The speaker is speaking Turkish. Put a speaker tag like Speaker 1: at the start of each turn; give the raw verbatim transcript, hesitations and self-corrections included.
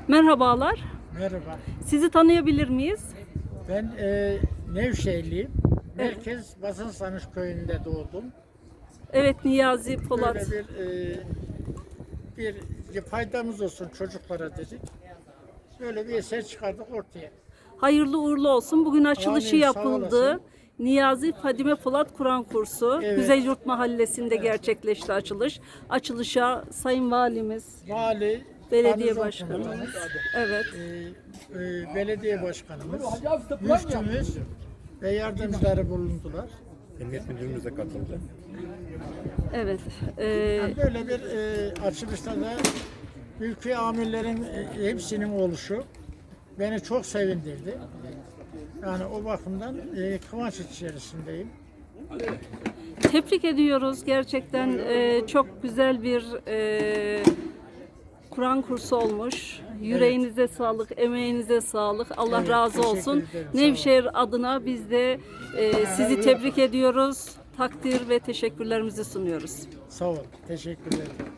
Speaker 1: Merhabalar.
Speaker 2: Merhaba.
Speaker 1: Sizi tanıyabilir miyiz?
Speaker 2: Ben e, Nevşehirliyim. Merkez Basınsamış köyünde doğdum.
Speaker 1: Evet, Niyazi Polat.
Speaker 2: Böyle bir e, bir faydamız olsun çocuklara dedik. Böyle bir eser çıkardık ortaya.
Speaker 1: Hayırlı uğurlu olsun. Bugün açılışı
Speaker 2: Amin, sağ
Speaker 1: yapıldı.
Speaker 2: olasın.
Speaker 1: Niyazi Fadime Polat Kur'an kursu.
Speaker 2: Evet.
Speaker 1: Güzelyurt Mahallesi'nde gerçekleşti açılış. Açılışa Sayın Valimiz,
Speaker 2: Vali,
Speaker 1: Belediye
Speaker 2: garnizon
Speaker 1: Başkanımız,
Speaker 2: komutanımız,
Speaker 1: evet,
Speaker 2: e, e, belediye başkanımız, müftümüz ve yardımcıları bulundular.
Speaker 3: Emniyet Müdürümüz de katıldı.
Speaker 1: evet. Ee,
Speaker 2: Yani böyle bir e, açılışta da ülke amirlerin e, hepsinin oluşu beni çok sevindirdi. Yani o bakımdan e, kıvanç içerisindeyim.
Speaker 1: Tebrik ediyoruz. Gerçekten e, çok güzel bir e, Kur'an kursu olmuş. Yüreğinize sağlık, emeğinize sağlık. Allah
Speaker 2: Evet,
Speaker 1: razı
Speaker 2: teşekkür
Speaker 1: olsun.
Speaker 2: ederim, sağ olun.
Speaker 1: Nevşehir adına biz de e, sizi tebrik ediyoruz. Takdir ve teşekkürlerimizi sunuyoruz.
Speaker 2: Sağ ol. Teşekkür ederim.